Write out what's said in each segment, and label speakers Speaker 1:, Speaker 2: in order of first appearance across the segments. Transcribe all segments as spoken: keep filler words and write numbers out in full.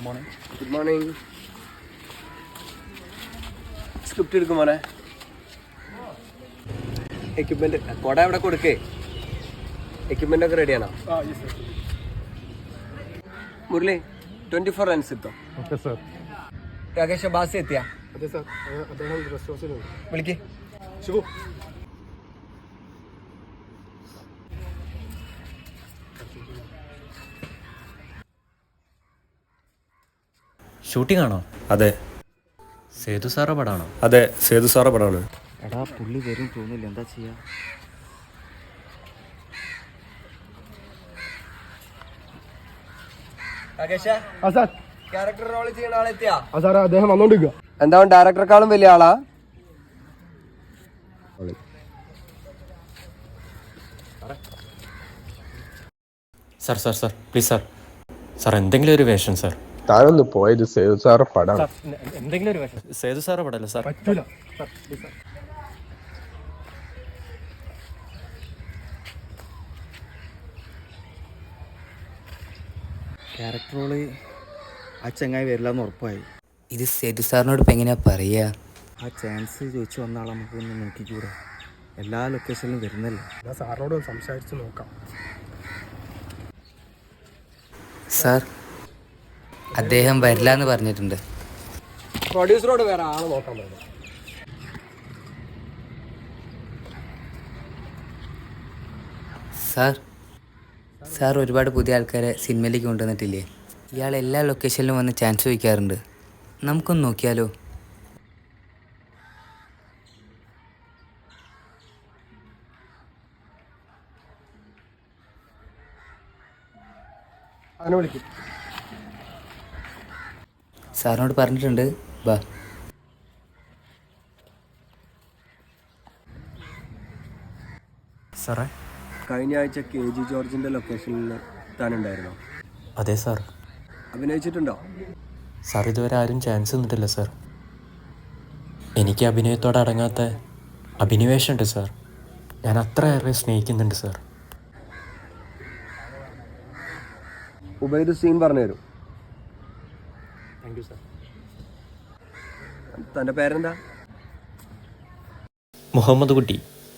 Speaker 1: Morning.
Speaker 2: Good morning. Script എടുക്കും മോനെ. Equipment കൊട എവിടെ കൊടുക്കേ? എക്യുപ്മെന്റ് ഒക്കെ റെഡിയാണോ? മുരളി ട്വന്റി ഫോർ റൺസ് എത്തും.
Speaker 1: Okay sir.
Speaker 2: രാകേഷ് ബാസി എത്തിയാ?
Speaker 1: അതെ സാർ, അദ്ദേഹം റെസ്റ്റ് ഹൗസിലുണ്ട്.
Speaker 2: വിളിക്ക്.
Speaker 1: ശിവു.
Speaker 3: ഷൂട്ടിംഗ് ആണോ?
Speaker 4: അതെ.
Speaker 3: സേതു സാറ പടാണോ?
Speaker 4: അതെ, സേതു സാറ പടമാണ്.
Speaker 3: എടാ പുള്ളി വരും തോന്നില്ല, എന്താ ചെയ്യാ?
Speaker 2: രാകേഷ്
Speaker 1: ആ സാർ.
Speaker 2: ക്യാരക്ടർ റോൾ ചെയ്യുന്ന ആളെത്തിയാ?
Speaker 1: ആ സാർ, അദ്ദേഹം വന്നോണ്ടിരിക്കുക.
Speaker 2: എന്താ ഡയറക്ടറെക്കാളും വലിയ ആളാ?
Speaker 3: Sir sir sir please sir sir എന്തെങ്കിലും ഒരു വേഷം സാർ.
Speaker 4: താനൊന്ന് പോയത് സേതു സാറ പടമാണ്.
Speaker 3: എന്തെങ്കിലും ഒരു വേഷം. സേതു സാറ പടല്ലേ സാർ?
Speaker 1: പറ്റൂല sir, please sir.
Speaker 5: Character role ആ ചങ്ങായി വരില്ല എന്ന് ഉറപ്പായി.
Speaker 6: ഇത് സേതു സാറിനോട് ഇപ്പം എങ്ങനെയാ പറയുക?
Speaker 5: ആ ചാൻസ് ചോദിച്ചു വന്ന ആളെ നമുക്ക് ഒന്ന് നോക്കിക്കൂടെ? എല്ലാ ലൊക്കേഷനിലും വരുന്നല്ലേ.
Speaker 1: ഞാൻ സാറിനോട് സംസാരിച്ച് നോക്കാം.
Speaker 6: സാർ, അദ്ദേഹം വരില്ല എന്ന് പറഞ്ഞിട്ടുണ്ട്.
Speaker 2: പ്രൊഡ്യൂസറോട് വേറെ ആളെ നോക്കാൻ പറ്റില്ല.
Speaker 6: സാർ സാർ ഒരുപാട് പുതിയ ആൾക്കാരെ സിനിമയിലേക്ക് കൊണ്ടുവന്നിട്ടില്ലേ? ഇയാൾ എല്ലാ ലൊക്കേഷനിലും വന്ന് ചാൻസ് ചോദിക്കാറുണ്ട്. നമുക്കൊന്ന് നോക്കിയാലോ?
Speaker 2: അവനെ വിളിക്കും.
Speaker 6: സാറിനോട് പറഞ്ഞിട്ടുണ്ട്. ബാ.
Speaker 3: സാറേ,
Speaker 2: കഴിഞ്ഞ ആഴ്ച കെ ജി ജോർജിന്റെ ലൊക്കേഷനിൽ താനുണ്ടായിരുന്നോ?
Speaker 3: അതെ സാർ.
Speaker 2: അഭിനയിച്ചിട്ടുണ്ടോ?
Speaker 3: സാർ ഇതുവരെ ആരും ചാൻസ് തന്നിട്ടില്ല സാർ. എനിക്ക് അഭിനയത്തോടെ അടങ്ങാത്ത അഭിനിവേശമുണ്ട് സാർ. ഞാൻ അത്രയേറെ സ്നേഹിക്കുന്നുണ്ട് സാർ.
Speaker 2: ഉബൈദ് സീൻ പറഞ്ഞു തരും.
Speaker 1: Thank you sir.
Speaker 2: തൻ്റെ പേരെന്താ?
Speaker 3: മുഹമ്മദ് കുട്ടി,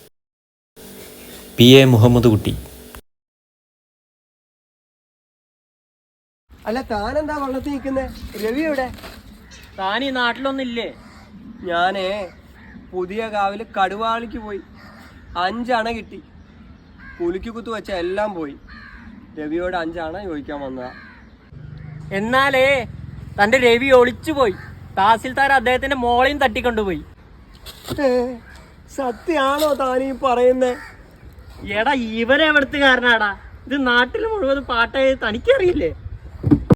Speaker 3: പി എ മുഹമ്മദ് കുട്ടി.
Speaker 2: അല്ല, താനെന്താ വള്ളത്തിൽ നിൽക്കുന്നേ? രവി എവിടെ?
Speaker 7: താൻ ഈ നാട്ടിലൊന്നില്ലേ?
Speaker 2: ഞാനേ പുതിയ കാവില് കടുവാളിക്ക് പോയി. അഞ്ചണ കിട്ടി. പുലിക്ക് കുത്തു വെച്ച എല്ലാം പോയി. രവിയോട് അഞ്ചണ ചോദിക്കാൻ വന്നതാ.
Speaker 7: എന്നാലേ തന്റെ രവി ഒളിച്ചു പോയി. തഹസിൽദാർ അദ്ദേഹത്തിന്റെ മോളെയും തട്ടിക്കൊണ്ടുപോയി.
Speaker 2: സത്യാണോ താനീ പറയുന്നേ?
Speaker 7: എടാ, ഇവരെ എവിടുത്തുകാരനാടാ? ഇത് നാട്ടിൽ മുഴുവൻ പാട്ടായി തനിക്കറിയില്ലേ?